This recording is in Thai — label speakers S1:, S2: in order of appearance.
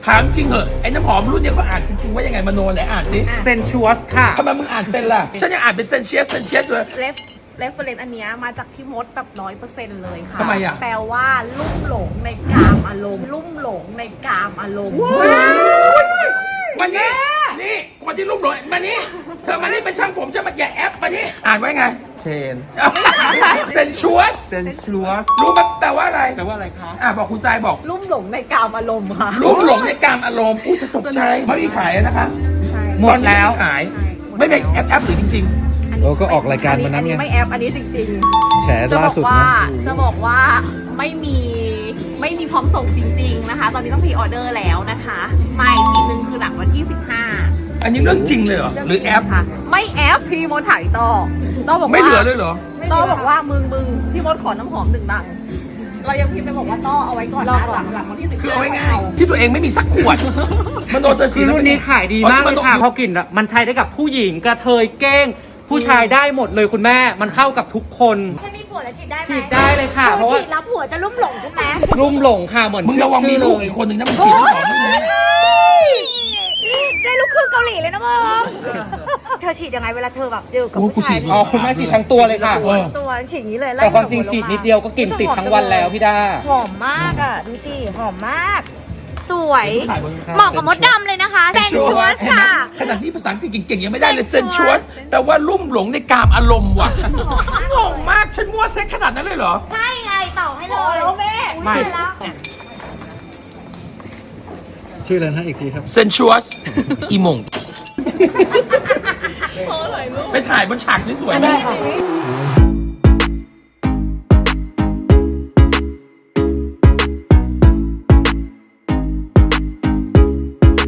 S1: ถามจริงเหอะไอ้น้ำหอมรุ่นเนี้ยเขาอ่านจริงๆว่ายังไงมโนไหนอ่านสิ
S2: เซนชัวสค่ะ
S1: ทำไมมึงอ่านเป็นล่ะฉันยังอ่านเป็นเซนเชียสเลย
S3: เรฟเฟรนซ์อันเนี้ยมาจากพี่มดแบบ100%เลยค่ะ
S1: ทำไมอ่ะ
S3: แปลว่าลุ่มหลงในกามอารมณ์ลุ่มหลงในกามอารมณ์
S1: มานี่นี่คนที่รูปหลงมานี่เธอมานี่เป็นช่างผมใช่ไหมอย่าแอปมานี่อ่านไว้ไง
S4: เชน
S1: เซนชัวส
S4: เซนชัวส
S1: รู้ไหมแปลว่าอะไร
S4: แปลว่าอะไรคะ
S1: บอกคุณทรายบอก
S3: ลุ่มหลงในกามอารมณ์ค่ะ
S1: รูปหลงในกามอารมณ์อุ้ยจะตกใจไม่มีขายนะคะ
S3: ใช่
S2: หมดแล้ว
S1: ตอนนี้ไม่มีขายไม่เป็นแอปหรือจริง
S4: โอ้ก็ออกรายการวันนั้นไง
S3: ไม่แอปอันนี้จริง
S4: แฉ
S3: ๆ จะ
S4: ล่า
S3: บอก
S4: สุด
S3: ว่า
S4: นะ
S3: จะบอกว่าไม่มีพร้อมส่งจริง ๆนะคะ ตอนนี้ต้องพรีออเดอร์แล้วนะคะมาอีกทีนึงคือหลังวันที่15
S1: ๆ อันนี้เรื่องจริงเลยเหรอหรือแอป
S3: ค่ะไม่แอปพี่มดถ่ายต่อบอกว่า
S1: ไม่เหลือเลยเหรอ
S3: ต้อบอกว่ามึงพี่มดขอน้ำหอม1 ดังเรายังพิมพ์ไปบอกว่าต้อเอาไว้ก่อนนะหลังวันที่15
S1: คือเอาง่ายๆที่ตัวเองไม่มีสักขวดมโนจะฉี
S2: คือ
S1: ด
S2: รุ่นนี้ขายดีมากเลยค่ะเพราะกลิ่นอะมันใช้ได้กับผู้หญิงกระเทยเก้ง ผู้ชายได้หมดเลยคุณแม่มันเข้ากับทุกคน
S5: ฉันมีผัวแล้วฉีดได้ไหม
S2: ฉีดได้เลยค่ะ เพราะว่า
S5: ฉีดแล้วผัวจะลุ่มหลงใช่ไหม
S2: รุ่มหลงค่ะเหมือน
S1: มึงระวังมีลูกอีกคนหนึ่งนะมึงฉีดน้ำหอมด้วยนะ
S5: ได้ลูกครึ่งเกาหลีเลยนะมึงเธอฉีดยังไงเวลาเธอแบบเจอกับผู้ชาย
S2: อ๋อคุณแม่ฉีดทั้งตัวเลยค่ะ
S5: ตัวฉีดอย่างนี้เลยไล่
S2: แต่ความจริงฉีดนิดเดียวก็กลิ่นติดทั้งวันแล้วพี่ด้า
S5: หอมมากอ่ะดูสิหอมมาก สวย
S1: ถ่ายบน
S5: เหมาะกับมดดำเลยนะคะเซนชัวสค่ะ
S1: ขนาดที่ภาษาอังกฤษเก่งๆยังไม่ได้เลยเซนชัวสแต่ว่าลุ่มหลงในกามอารมณ์ว่ะงงมากฉันมั่วเซ็กขนาดนั้นเลยเหรอ
S5: ใช่ไงต่อให้เลย
S3: แม่
S2: ไม่
S5: แล้ว
S4: ชื่ออะไรนะอีกทีครับ
S1: เซนชัวสอีหมงไปถ่ายบนฉากสวยๆไหม